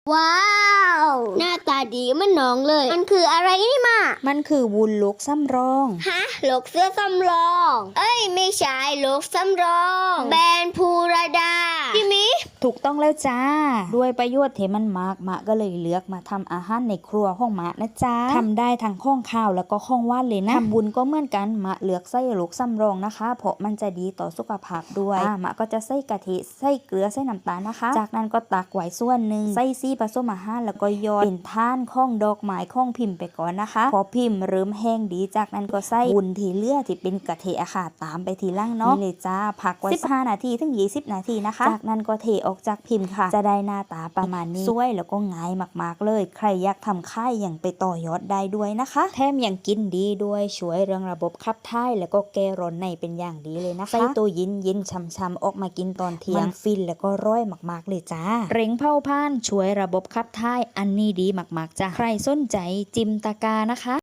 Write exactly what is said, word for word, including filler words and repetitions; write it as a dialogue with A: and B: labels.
A: ว้าวหน้าตาดีเหมันน้องเลยมันคืออะไรนี่มา
B: มันคือวุ้นลูกซ้ำรอง
A: ฮะโลกเสื้อสำรองเอ้ยไม่ใช่โลกสำรองแบรนด์ภูรดาพี่มิ
B: ถูกต้องแล้วจ้าด้วยประโยชน์ที่มันมากมะก็เลยเลือกมาทำอาหารในครัวของมะนะจ้าทำได้ทั้งข้องข้าวแล้วก็ข้องว่านเลยนะทำบุญก็เหมือนกันมะเลือกไส้ลูกซ้ำรองนะคะเพราะมันจะดีต่อสุขภาพด้วยอ่ามะก็จะใส่กะทิใส่เกลือใส่น้ำตาลนะคะจากนั้นก็ตักไว้ส่วนหนึ่งใส่ซี่ผสมอาหารแล้วก็ยอดเป็นท่านข้องดอกไม้ข้องพิมพ์ไปก่อนนะคะพอพิมพ์เริ่มแห้งดีจากนั้นก็ใส่วุ้นที่เหลือที่เป็นกะทิอะค่ะตามไปทีหล่างเนาะนี่เลยจ้าพักไว้สิบห้านาทีถึงยี่สิบนาทีนะคะจากนั้นก็เทออกจากพิมพ์ค่ะจะได้หน้าตาประมาณนี้สวยแล้วก็ง่ายมากๆเลยใครอยากทำค่ายอย่างไปต่อยอดได้ด้วยนะคะแถมยังกินดีด้วยช่วยเรื่องระบบขับถ่ายแล้วก็แก้ร้อนในเป็นอย่างดีเลยนะคะใส่ตัวยินยินช่ำๆออกมากินตอนเที่ยงมันฟินแล้วก็ร่อยมากๆเลยจ้าเร่งเผาผลาญช่วยระบบขับถ่ายอันนี้ดีมากๆจ้าใครสนใจจิมตะกานะคะ